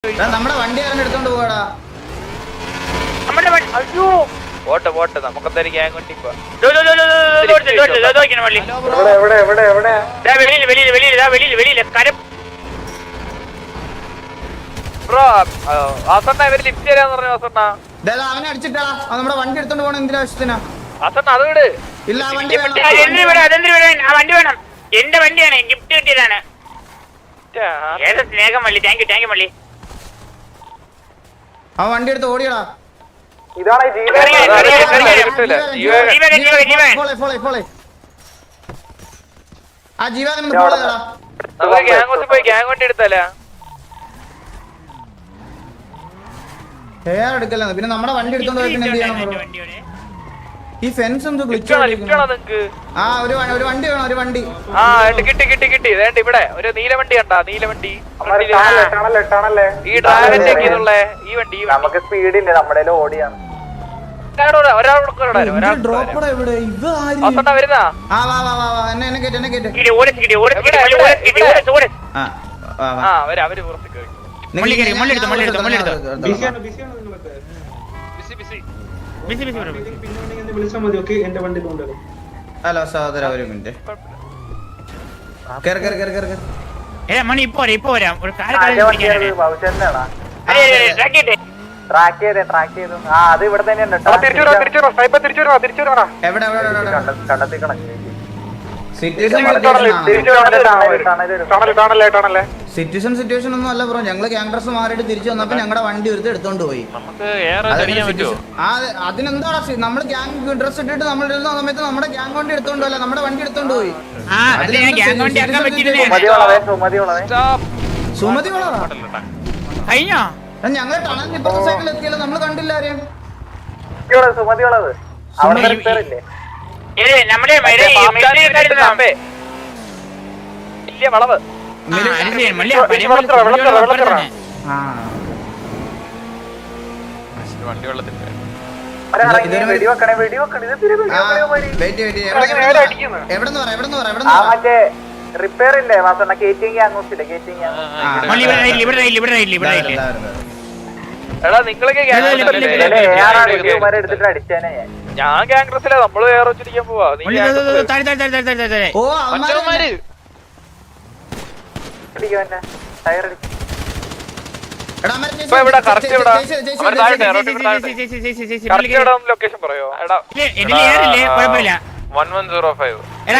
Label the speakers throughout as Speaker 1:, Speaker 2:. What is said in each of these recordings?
Speaker 1: നമ്മുടെ വണ്ടി ആരും എടുത്തോണ്ട് പോവാടാ.
Speaker 2: അയ്യോ
Speaker 3: പോട്ടെ നമുക്കെന്തായാലും ഗ്യാങ് കൊണ്ട് ഇപ്പൊ ബ്രോ വാസണ്ണ ഇവര് ലിഫ്റ്റ് തരാന്ന് പറഞ്ഞു. വാസണ്ണ
Speaker 1: അവനെ അടിച്ചിട്ടാ നമ്മുടെ വണ്ടി എടുത്തോണ്ട് പോകണം. എന്തിനാ ആവശ്യത്തിനാ?
Speaker 3: വാസണ്ണ അത് വിട്.
Speaker 1: ഇല്ല ആ വണ്ടി
Speaker 2: വണ്ടി വേണം. എന്റെ വണ്ടിയാണ്, ഗിഫ്റ്റ് കിട്ടിയതാണ്. സ്നേഹം മള്ളി. താങ്ക് യു മള്ളി.
Speaker 1: ആ വണ്ടി എടുത്ത് ഓടിയടാ.
Speaker 4: ഇതാണ്
Speaker 1: ആ ജീവൻ ഫോളോ ചെയ്യടാ.
Speaker 3: നമുക്ക് ഗ്യാങ് പോയി ഗ്യാങ് വണ്ടി എടുത്താലേ.
Speaker 1: എടുക്കല്ല പിന്നെ നമ്മുടെ വണ്ടി എടുത്തോണ്ട് പോയി പിന്നെ എന്ത് ചെയ്യണം? ഈ ഫെൻസ് എന്തോ ഗ്ലിച്ച് ആ ഒരു വണ്ടി വേണം. ഒരു വണ്ടി
Speaker 3: കിട്ടി വേണ്ട. ഇവിടെ ഒരു നീല വണ്ടി കണ്ടാ? നീല വണ്ടി ഈ ഡ്രാഗന്റെ ഈ വണ്ടി
Speaker 4: നമുക്ക് സ്പീഡില്ല, നമ്മുടെ ഓടിയാണ്.
Speaker 3: വരുന്നാ അവര് പുറത്ത് കയറി.
Speaker 1: ഹലോ സഹോദര, ഒരു മിനിറ്റ്.
Speaker 2: മണി ഇപ്പൊ വരാം. ഒരു
Speaker 4: ട്രാക്ക് ചെയ്തു. ആ അത് ഇവിടെ തന്നെയുണ്ട്. കണ്ടെത്തിക്കണം.
Speaker 1: സിറ്റുവേഷൻ ഒന്നും അല്ല ബ്രോ. ഞങ്ങള് ക്യാമറസ് മാറിയിട്ട് തിരിച്ചു വന്നപ്പോ ഞങ്ങളുടെ വണ്ടി ഒരുത്ത് എടുത്തോണ്ട് പോയി. അതിനെന്താടാ? നമ്മള് ഗ്യാങ് ഡ്രസ് ഇട്ടിട്ട് നമ്മൾ ഇരുന്ന സമയത്ത് നമ്മുടെ ഗ്യാങ് വണ്ടി എടുത്തോണ്ട് പോയല്ല, നമ്മുടെ വണ്ടി എടുത്തോണ്ട് പോയി. സുമതി
Speaker 2: കഴിഞ്ഞോ?
Speaker 1: ഞങ്ങള് ടണൽ ഇപ്പത്തെ സൈഡിൽ എത്തിയല്ലോ, നമ്മള് കണ്ടില്ല ആരെയും.
Speaker 4: സുമതിയുള്ളത്
Speaker 3: വളവ് വണ്ടി വെള്ളത്തിൽ
Speaker 4: റിപ്പയർ ഇല്ലേ മാസ കേറ്റിങ് അങ്ങോട്ടില്ല. കേറ്റിങ്
Speaker 3: എടാ നിങ്ങളൊക്കെ
Speaker 4: എടുത്തിട്ട് അടിച്ചേനെ.
Speaker 3: ഞാൻ ഗ്യാങ്റസിലാ. നമ്മള് വേറെ വെച്ചിരിക്കാൻ പോവാ. ലൊക്കേഷൻ പറയോ? 1105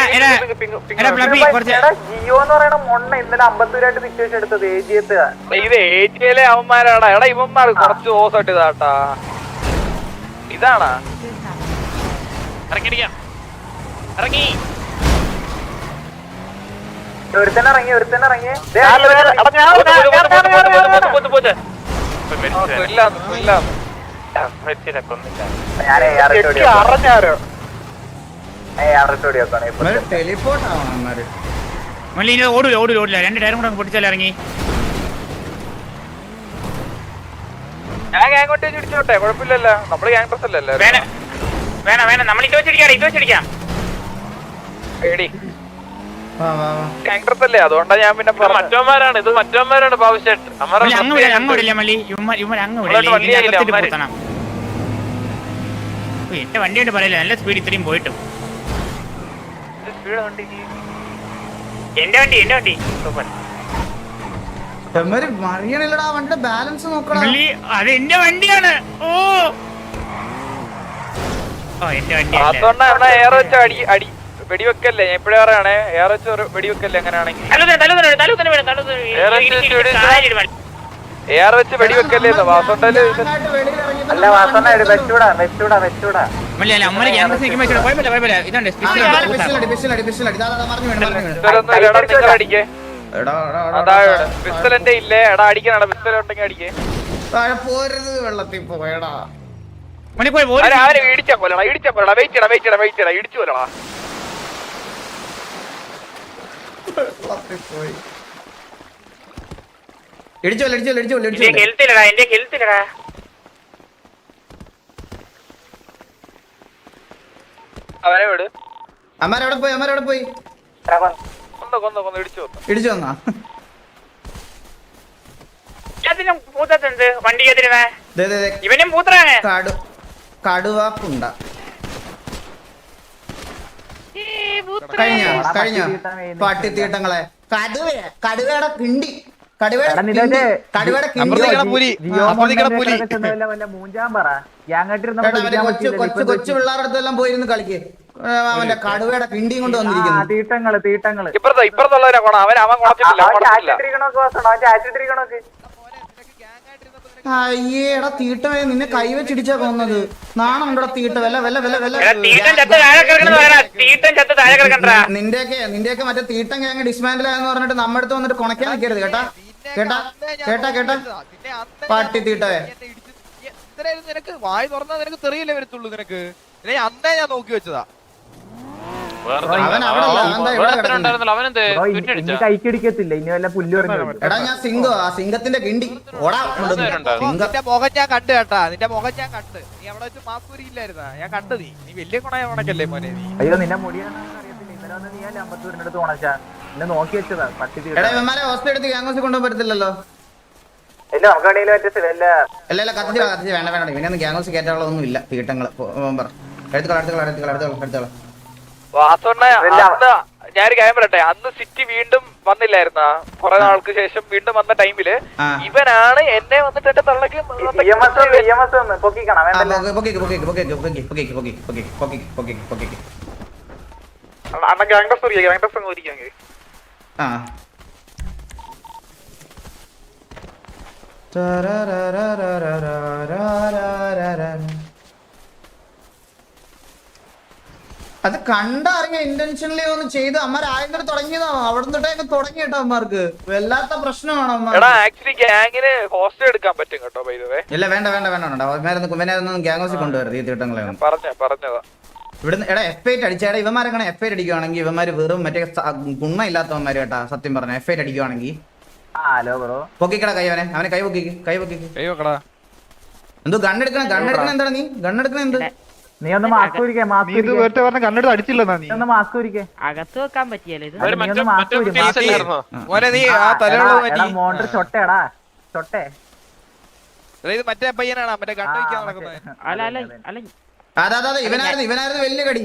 Speaker 4: ജിയോ എന്ന് പറയണ മൊണ്ണ ഇന്നലെ 52 സിറ്റുവേഷൻ എടുത്തത് ഏജിയത്ത്.
Speaker 3: ഇത് ഏജിയയിലെ അവന്മാരാടാ. എടാ ഇവന്മാർ കുറച്ച് ഓസായിട്ട് ഇതാട്ടാ. ഇതാണാ ഇറങ്ങി
Speaker 4: ഒരുത്തന്നെ ഇറങ്ങി.
Speaker 2: ഓടൂല. 2 ടയറും കൂടെ പൊട്ടിച്ചാലും ഇറങ്ങി.
Speaker 3: ഞാൻ ഗ്യാങ് കൊണ്ട് ഇടിച്ചോട്ടെ, കുഴപ്പമില്ലല്ലോ. നമ്മള് ഗ്യാങ് ഡ്രസ് അല്ലല്ലോ.
Speaker 2: വേണം. നമ്മൾ ഇത് വെച്ചിരിക്കാം.
Speaker 3: ഗ്യാങ് ഡ്രസ് അല്ലേ, അതുകൊണ്ടാ ഞാൻ പിന്നെ മറ്റവന്മാരാണ്. ഇത് മറ്റവന്മാരാണ് ഭവിഷ്യത്.
Speaker 2: എന്റെ വണ്ടിയായിട്ട് പറയില്ല, നല്ല സ്പീഡ് ഇത്രയും പോയിട്ടും. എന്റെ വണ്ടി
Speaker 1: മറിയണില്ലടാ. വണ്ടിയുടെ ബാലൻസ് നോക്കണം.
Speaker 2: അത് എന്റെ വണ്ടിയാണ്. എന്റെ വണ്ടി
Speaker 3: ഏറെ വെച്ച അടി വെടിവെക്കല്ലേ. ഞാൻ എപ്പോഴും പറയണേ, ഏറെ വെച്ച് വെടിവെക്കല്ലേ. അങ്ങനെയാണെങ്കിൽ ഏറെ വെച്ച് വെടിവെക്കല്ലേ. വാസോണ്ടല്
Speaker 4: അല്ല വാസന വെച്ചൂടാ.
Speaker 3: അടിക്കേ. പിസ്റ്റലിന്റെ ഇല്ലേ? എടാ അടിക്കണ. പിസ്റ്റൽ ഉണ്ടെങ്കിൽ അടിക്കേ.
Speaker 1: വെള്ളത്തിൽ പോയടാ.
Speaker 3: അവരെ ഇടിച്ചാ കൊല്ലടാ. വെയിറ്റ് ഇടിച്ചു കൊല്ലടാ. അവനെ വിട്.
Speaker 1: അമ്മാരവിടെ പോയി
Speaker 3: കൊന്നു ഇടിച്ചു
Speaker 1: വന്നാ.
Speaker 2: എല്ലാത്തിനും പൂത്തത് വണ്ടി എതിരുന്നേ
Speaker 1: ദേ, ദേ, ദേ.
Speaker 2: ഇവനും പൂത്രാണ്.
Speaker 1: കടുവാപ്പുണ്ട കഴിഞ്ഞ പട്ടിത്തീട്ടങ്ങളെ കടുവയുടെ കിണ്ടി കൊച്ചു പിള്ളേരുടെ അടുത്തെല്ലാം പോയിരുന്ന് കളിക്ക് അവന്റെ കടുവയുടെ കിണ്ടിയും കൊണ്ട് വന്നിരിക്കുന്നു
Speaker 4: തീട്ടങ്ങള്
Speaker 3: ഇപ്പുറത്തുള്ളവരെ അവൻ കുളച്ചിട്ടില്ല
Speaker 1: അയ്യേടാ തീട്ടമേ നിന്നെ കൈവച്ചിടിച്ചാ പോകുന്നത് നാണം ഉണ്ടോ തീട്ട നിന്റെയൊക്കെ മറ്റേ തീട്ടം ഗ്യാങ് ഡിസ്മാൻഡിൽ ആയെന്ന് പറഞ്ഞിട്ട് നമ്മുടെ അടുത്ത് വന്നിട്ട് കൊണക്കാൻ നിൽക്കരുത് കേട്ടാ പട്ടി തീട്ടവേ
Speaker 3: നിനക്ക് വായി തുറന്നാ നിനക്ക് തെറിയില്ലേ വരത്തുള്ളൂ നിനക്ക് അന്നേ ഞാൻ നോക്കി വെച്ചതാ
Speaker 4: കൈക്കടിക്കത്തില്ല ഇനി വല്ല പുല്ല്
Speaker 1: എടാ ഞാൻ സിംഗത്തിന്റെ കിണ്ടി ഓടാ
Speaker 3: നിന്റെ മുഖം ഞാൻ കണ്ടു കേട്ടാ നിന്റെ മുഖം ഞാൻ കണ്ട് നീ അവിടെ വെച്ച് മാസ്കൂരിയില്ലായിരുന്നാ ഞാൻ കണ്ടു നീ വലിയ കുണയ ഉണക്കല്ലേ മോനെ നീ
Speaker 4: അയ്യോ നിന്നെ മുടിയാണെന്ന് അറിയത്തില്ല ഇന്നലെ വന്ന് നീ അമ്പത്തൂരിന്റെ അടുത്ത് ഉണച്ചാ എന്നെ നോക്കി വെച്ചതാ പട്ടി
Speaker 1: എടാ ഇവന്മാരെ ഹോസ്റ്റൽ എടുത്ത് ഗ്യാങ്സ് കൊണ്ടുപോകാൻ പറ്റത്തില്ലല്ലോ
Speaker 4: ഇല്ല നമുക്ക് കടയിൽ പറ്റത്തില്ല
Speaker 1: അല്ല കത്തിച്ച് വേണ്ട ഇവനൊന്നും ഗ്യാങ്സ് കയറ്റാനുള്ളതൊന്നും ഇല്ല തീട്ടങ്ങള് എടുത്തോളാം
Speaker 3: ഞാനൊരു കാര്യം പറയട്ടെ അന്ന് സിറ്റി വീണ്ടും വന്നില്ലായിരുന്ന കുറെ നാൾക്ക് ശേഷം വീണ്ടും വന്ന ടൈമില് ഇവനാണ് എന്നെ വന്നിട്ട് എന്റെ തള്ളക്ക്
Speaker 1: അത് കണ്ടറിഞ്ഞ ഇന്റൻഷനലി ഒന്ന് ചെയ്ത് അമ്മ ആദ്യം തുടങ്ങിയതാണോ അവിടെ തൊട്ടേ തുടങ്ങി കേട്ടോ അമ്മമാർക്ക് വല്ലാത്ത പ്രശ്നമാണോ ഇല്ല വേണ്ട ഗ്യാങ് ഹൗസിൽ കൊണ്ടുവരുത് ഈ തീട്ടങ്ങളെ ഇവിടുന്ന് എടാ F8 അടിച്ചേടാ ഇവന്മാരെ F8 അടിക്കുവാണെങ്കിൽ ഇവന്മാര് വെറും മറ്റേ ഗുണ ഇല്ലാത്തവന്മാര് കേട്ടാ സത്യം പറഞ്ഞ F8 അടിക്കുവാണെങ്കിൽ പൊക്കിക്കടാ അവനെ കൈ പൊക്കിക്ക് എന്തോ ഗണ്ണെടുക്കണം എന്താണ് നീ ഗണ്ണെടുക്കണ എന്ത്
Speaker 4: നീ ഒന്ന് മാസ്ക്
Speaker 5: കണ്ണെടുത്ത് അടിച്ചില്ല നീ
Speaker 4: ഒന്ന് മാസ്ക്
Speaker 2: അകത്ത് വെക്കാൻ പറ്റിയല്ലേ
Speaker 4: മോണ്ടർ ചൊട്ടേടാ ചൊട്ടേ
Speaker 3: മറ്റേ പയ്യനാണ് മറ്റേ കണ്ടു വയ്ക്കാൻ നടക്കുന്നത്
Speaker 1: അതെ ഇവനായിരുന്നു വലിയ കടി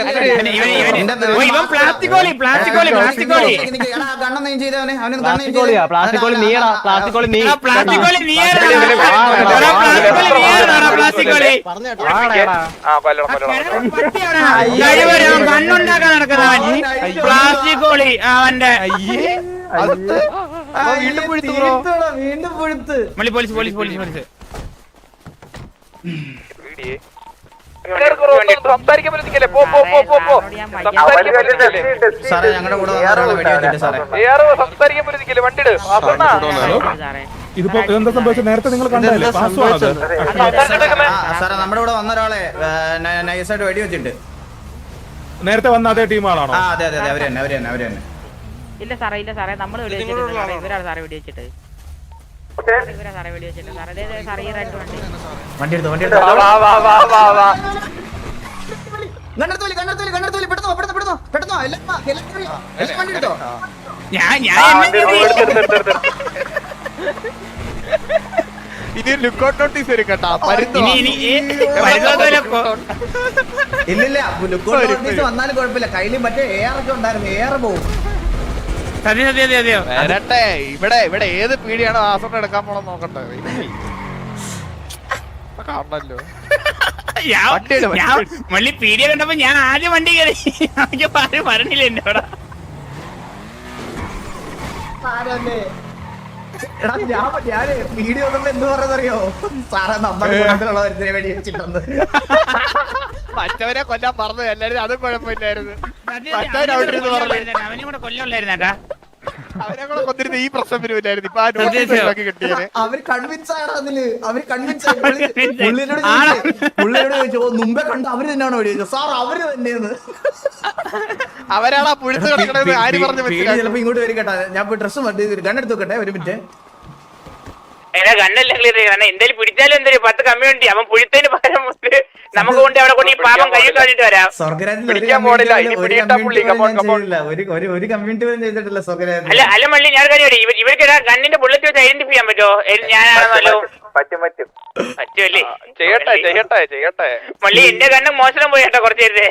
Speaker 1: ഗണ്ണം നീ ചെയ്തവനെ
Speaker 2: കണ്ണുണ്ടാക്കാൻ നടക്കുന്നവൻ പ്ലാസ്റ്റിക് കോളി അവന്റെ
Speaker 1: വീണ്ടും പുഴുത്ത്
Speaker 2: പോലീസ്
Speaker 3: സംസാരിക്കാൻ പറ്റത്തില്ലേ
Speaker 1: സാറേ ഞങ്ങളുടെ കൂടെ
Speaker 3: സംസാരിക്കാൻ പറ്റത്തില്ലേ വണ്ടിട്
Speaker 5: ഇതിപ്പോ എന്താ സംഭവിച്ചത് നേരത്തെ നിങ്ങൾ കണ്ടതല്ലേ
Speaker 1: സാറേ നമ്മുടെ കൂടെ വന്ന ഒരാളെ നൈസായിട്ട് വെടിവെച്ചിട്ട്
Speaker 5: നേരത്തെ വന്ന അതേ ടീമാണോ
Speaker 1: അതെ അവര് തന്നെ
Speaker 2: ഇല്ല സാറേ നമ്മള് ഇവരാണ് സാറേ വെടിവെച്ചിട്ട്
Speaker 1: വണ്ടി എടുത്തോ പെട്ടെന്നോ വണ്ടി എടുത്തോ
Speaker 3: ഇനി ലുക്കൗട്ട് നോട്ടീസ് വരും കേട്ടാ
Speaker 1: ഇല്ലില്ല ലുക്കൗട്ട് നോട്ടീസ് വന്നാലും കുഴപ്പമില്ല കയ്യിലും മറ്റേ AR ഒക്കെ ഉണ്ടായിരുന്നു AR പോകും
Speaker 3: വരട്ടെ ഇവിടെ ഏത് പീടിയാണോ ആസോട്ട് എടുക്കാൻ പോണെന്ന് നോക്കട്ടെ കാണണല്ലോ
Speaker 2: മള്ളി പീടിയ കണ്ടപ്പോ ഞാൻ ആദ്യം വണ്ടി കയറി പറഞ്ഞില്ല എന്റെ അവിടെ
Speaker 1: ഞാന് വീഡിയോ എന്ത് പറയുന്നറിയോ സാറേ നമ്മുടെ കൂട്ടത്തിലുള്ള ഒരുത്തിനെ വേണ്ടി വെച്ചിട്ടുണ്ട്
Speaker 3: മറ്റവരെ കൊല്ലാൻ പറഞ്ഞു എല്ലാരും അതും കുഴപ്പമില്ലായിരുന്നു
Speaker 2: അവനും കൂടെ കൊല്ലമില്ലായിരുന്നേട്ടാ
Speaker 3: അവരെ കൂടെ കൊന്നിരുന്ന ഈ പ്രശ്നം വരുമില്ലായിരുന്നു ഇപ്പൊ ആ നോട്ടീസ് കിട്ടിയത്
Speaker 1: അവര് കൺവിൻസ് ആണ് അതില് പുള്ളിയോട് ചോദിച്ചു മുമ്പേ കണ്ട അവര് തന്നെയാണോ ചോദിച്ചത് സാർ അവര് തന്നെയെന്ന്
Speaker 3: അവരാണ് ആ പുഴുത്ത് കിടക്കണത് ആര് പറഞ്ഞു
Speaker 1: ചിലപ്പോ ഇങ്ങോട്ട് വരും കേട്ടാ ഞാൻ ഡ്രസ് കണ്ണെടുത്ത് നോക്കട്ടെ ഒരു മിനിറ്റ്
Speaker 2: കണ്ണല്ല ക്ലിയർ എന്തായാലും പിടിച്ചാലും എന്തായാലും 10 കമ്മ്യൂണിറ്റി അവൻ പുഴുത്തതിന് പകരം നമുക്ക് കൊണ്ട് അവിടെ കൊണ്ട് ഈ പാപം കയ്യിൽ കഴിഞ്ഞിട്ട് വരാം.
Speaker 1: സ്വർഗരാജ്യത്തിൽ
Speaker 3: പിടിക്കാൻ പോണില്ല, ഇനി പിടിയിട്ടാ പുള്ളി, come on, come on.
Speaker 1: ഒരു കമ്മ്യൂണിറ്റി പോലും ചെയ്തിട്ടില്ല സ്വർഗരാജ്യത്തിൽ.
Speaker 2: അല്ല അല്ല മള്ളി ഞാൻ കാര്യം ഇവർക്ക് കണ്ണിന്റെ ബുള്ളറ്റ് വെച്ച് ഐഡന്റിഫൈ ചെയ്യാൻ പറ്റുമോ? ഞാനാണല്ലോ
Speaker 4: പറ്റും
Speaker 2: പറ്റുമല്ലേ?
Speaker 3: ചെയ്യട്ടെ
Speaker 2: മള്ളി എന്റെ കണ്ണ് മോശം പോയി കേട്ടോ കുറച്ച് നേരത്തെ.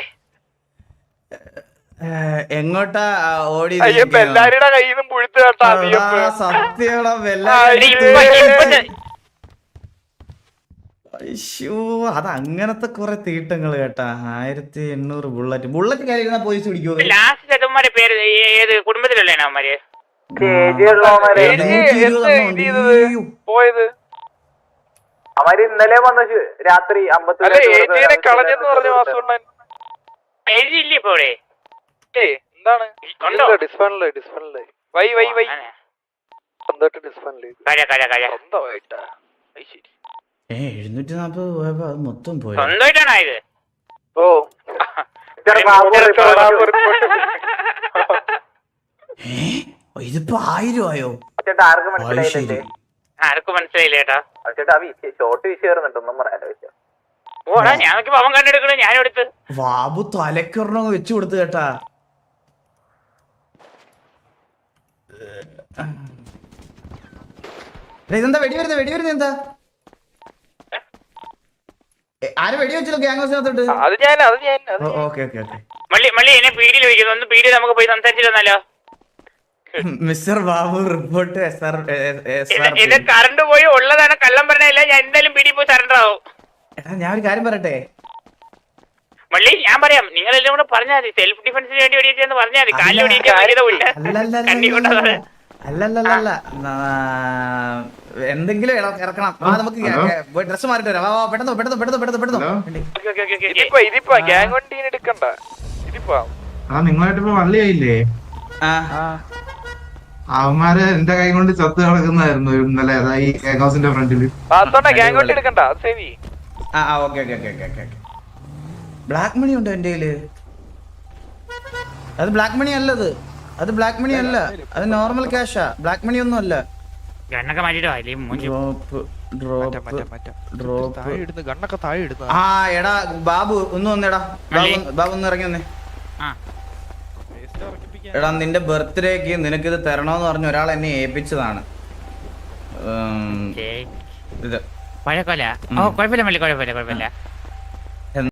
Speaker 1: എങ്ങോട്ടാ ഓടി
Speaker 3: എല്ലാരുടെ കയ്യിൽ നിന്നും പുഴുത്ത് കേട്ടാ
Speaker 1: സത്യടാ അത് അങ്ങനത്തെ കുറെ തീട്ടങ്ങള് കേട്ടാ. 1800 ബുള്ളറ്റ് കയറിയിരുന്ന പോലീസ് പിടിക്കുമോ?
Speaker 2: ലാസ്റ്റ് ചേട്ടന്മാരെ പേര് ഏത് കുടുംബത്തിലുള്ളതാണ് അവന്മാര്?
Speaker 3: പോയത്
Speaker 4: അവര് ഇന്നലെ വന്നു രാത്രി 50
Speaker 3: കളഞ്ഞെന്ന് പറഞ്ഞു വാസുണ്ണൻ.
Speaker 2: എഴുതിയില്ലേ ഇപ്പൊ ഇവിടെ?
Speaker 3: എന്താണ്
Speaker 2: ഉണ്ടോ?
Speaker 3: ഡിസ്ഫണ്ടില് വൈ സ്വന്തമായിട്ടാ.
Speaker 1: 740 പോയപ്പോ അത് മൊത്തം പോയി.
Speaker 2: സ്വന്തമായിട്ടാണോ ഇത്?
Speaker 3: ഓ
Speaker 1: ഇതിപ്പോ 1000 ആയോ?
Speaker 4: ആർക്ക് മനസ്സിലായില്ലേ?
Speaker 2: ആർക്കും മനസ്സിലായില്ല ചേട്ടാ.
Speaker 4: ഷോർട്ട് വിഷയറുന്നുണ്ടൊന്നും പറയാലോ.
Speaker 2: ഓടാ ഞങ്ങൾക്ക് പവൻ കണ്ടെടുക്കണേ ഞാനും എടുത്ത്.
Speaker 1: ബാബു തലക്കൊരെണ്ണം വെച്ചു കൊടുത്തു കേട്ടാ. ഇതെന്താ വെടി വരുന്നത് എന്താ? ആര് വെടി വെച്ചല്ലോ ഗ്യാങ്സിനകത്തോട്ട്?
Speaker 3: അത് ഞാൻ
Speaker 1: ഓക്കെ
Speaker 2: മള്ളി എന്നെ പീഡിയിൽ വയ്ക്കുന്നു. ഒന്ന് പീഡിയിൽ നമുക്ക് പോയി സംസാരിച്ചിരുന്നല്ലോ.
Speaker 1: മിസ്റ്റർ ബാബു റിപ്പോർട്ട്
Speaker 2: എന്റെ കറണ്ട് പോയി ഉള്ളതാണ് കള്ളം പറഞ്ഞല്ല. ഞാൻ എന്തായാലും പീഡിയിൽ പോയി സറണ്ടർ ആവും.
Speaker 1: ഞാൻ ഒരു കാര്യം പറയട്ടെ
Speaker 2: മള്ളി, ഞാൻ പറയാം. നിങ്ങൾ എല്ലാം കൂടെ പറഞ്ഞാൽ മതി. സെൽഫ് ഡിഫൻസിന് വേണ്ടി വെടിയെന്ന് പറഞ്ഞാൽ മതി. കാലിൽ
Speaker 1: അല്ലല്ല എന്തെങ്കിലും ഇറക്കണം. നമുക്ക് ഡ്രസ് മാറിട്ട് വരാം. പെട്ടെന്ന്
Speaker 3: ഇതിപ്പോ ഗ്യാങ് വണ്ടീന് എടുക്കണ്ട. ഇതിപ്പോ
Speaker 5: നിങ്ങളായിട്ടിപ്പോ വള്ളിയായില്ലേ? അവന്മാര് എന്റെ കൈ കൊണ്ട് ചത്ത് കിടക്കുന്നതായിരുന്നു ഇന്നലെ. ഈ കേക്ക് ഹൗസിന്റെ ഫ്രണ്ടില്.
Speaker 3: ഗ്യാങ് വണ്ടി എടുക്കണ്ട. സേവി
Speaker 1: ബ്ലാക്ക് മണി ഉണ്ടോ എന്റെ കയ്യില്? അത് ബ്ലാക്ക് മണി അല്ലത്. അത് ബ്ലാക്ക് മണി അല്ല, അത് നോർമൽ ക്യാഷാ. ബ്ലാക്ക് മണി ഒന്നും അല്ല. എടാ ബാബു ഒന്ന് വന്നേടാ. ബാബു ഒന്ന് ഇറങ്ങി വന്നേ. എടാ നിന്റെ ബർത്ത്ഡേക്ക് നിനക്കിത് തരണോന്ന് പറഞ്ഞ ഒരാൾ എന്നെ ഏൽപ്പിച്ചതാണ് ഇത്.
Speaker 2: കുഴപ്പമില്ല കുഴപ്പമില്ല.